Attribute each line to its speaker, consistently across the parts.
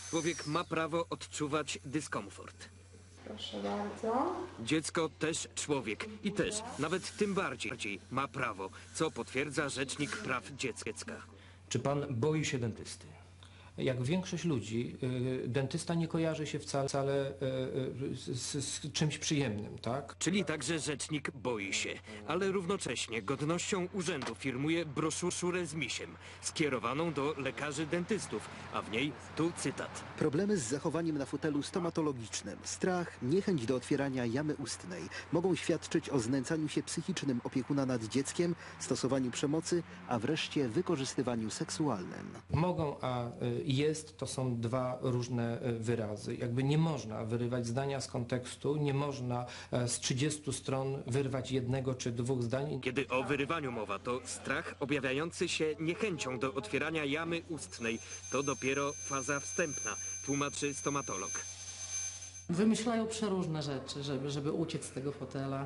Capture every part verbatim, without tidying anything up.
Speaker 1: Człowiek ma prawo odczuwać dyskomfort.
Speaker 2: Proszę bardzo.
Speaker 1: Dziecko też człowiek i też, nawet tym bardziej, ma prawo, co potwierdza Rzecznik Praw Dziecka.
Speaker 3: Czy pan boi się dentysty? Jak większość ludzi, y, dentysta nie kojarzy się wcale, wcale y, y, z, z czymś przyjemnym, tak?
Speaker 1: Czyli także rzecznik boi się, ale równocześnie godnością urzędu firmuje broszurę z misiem, skierowaną do lekarzy dentystów, a w niej tu cytat.
Speaker 4: Problemy z zachowaniem na fotelu stomatologicznym, strach, niechęć do otwierania jamy ustnej mogą świadczyć o znęcaniu się psychicznym opiekuna nad dzieckiem, stosowaniu przemocy, a wreszcie wykorzystywaniu seksualnym.
Speaker 3: Mogą, a y, jest, to są dwa różne y, wyrazy. Jakby nie można wyrywać zdania z kontekstu, nie można y, z trzydziestu stron wyrwać jednego czy dwóch zdań.
Speaker 1: Kiedy o wyrywaniu mowa, to strach objawiający się niechęcią do otwierania jamy ustnej to dopiero faza wstępna, tłumaczy stomatolog.
Speaker 5: Wymyślają przeróżne rzeczy, żeby, żeby uciec z tego fotela.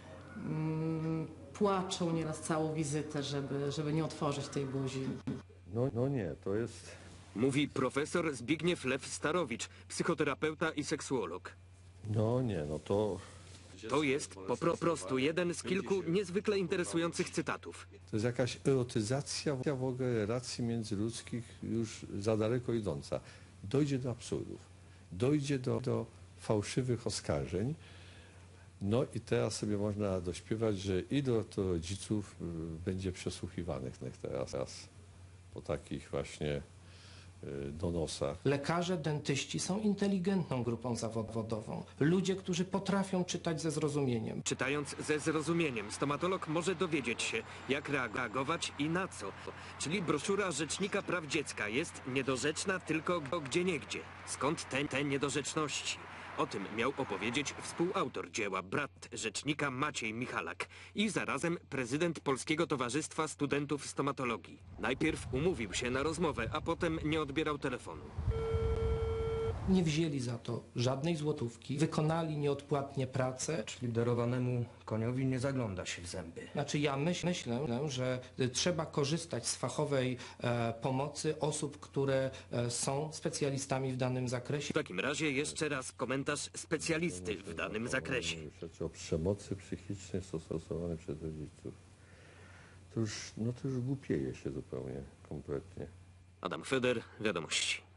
Speaker 5: Mm, płaczą nieraz całą wizytę, żeby, żeby nie otworzyć tej buzi.
Speaker 6: No, no nie, to jest...
Speaker 1: Mówi profesor Zbigniew Lew-Starowicz, psychoterapeuta i seksuolog.
Speaker 6: No nie, no to...
Speaker 1: To jest po pro prostu jeden z kilku niezwykle interesujących cytatów.
Speaker 6: To jest jakaś erotyzacja w ogóle relacji międzyludzkich już za daleko idąca. Dojdzie do absurdów, dojdzie do, do fałszywych oskarżeń. No i teraz sobie można dośpiewać, że ilu to rodziców będzie przesłuchiwanych teraz, teraz po takich właśnie donosach.
Speaker 3: Lekarze, dentyści są inteligentną grupą zawodową. Ludzie, którzy potrafią czytać ze zrozumieniem.
Speaker 1: Czytając ze zrozumieniem, stomatolog może dowiedzieć się, jak reagować i na co. Czyli broszura Rzecznika Praw Dziecka jest niedorzeczna tylko gdzieniegdzie. Skąd te, te niedorzeczności? O tym miał opowiedzieć współautor dzieła, brat rzecznika Maciej Michalak i zarazem prezydent Polskiego Towarzystwa Studentów Stomatologii. Najpierw umówił się na rozmowę, a potem nie odbierał telefonu.
Speaker 3: Nie wzięli za to żadnej złotówki, wykonali nieodpłatnie pracę.
Speaker 7: Czyli darowanemu koniowi nie zagląda się w zęby.
Speaker 3: Znaczy ja myśl, myślę, że trzeba korzystać z fachowej e, pomocy osób, które e, są specjalistami w danym zakresie.
Speaker 1: W takim razie jeszcze raz komentarz specjalisty w danym zakresie.
Speaker 6: Rzeczy o przemocy psychicznej stosowanej przez rodziców. To już, no to już głupieje się zupełnie, kompletnie.
Speaker 1: Adam Feder, Wiadomości.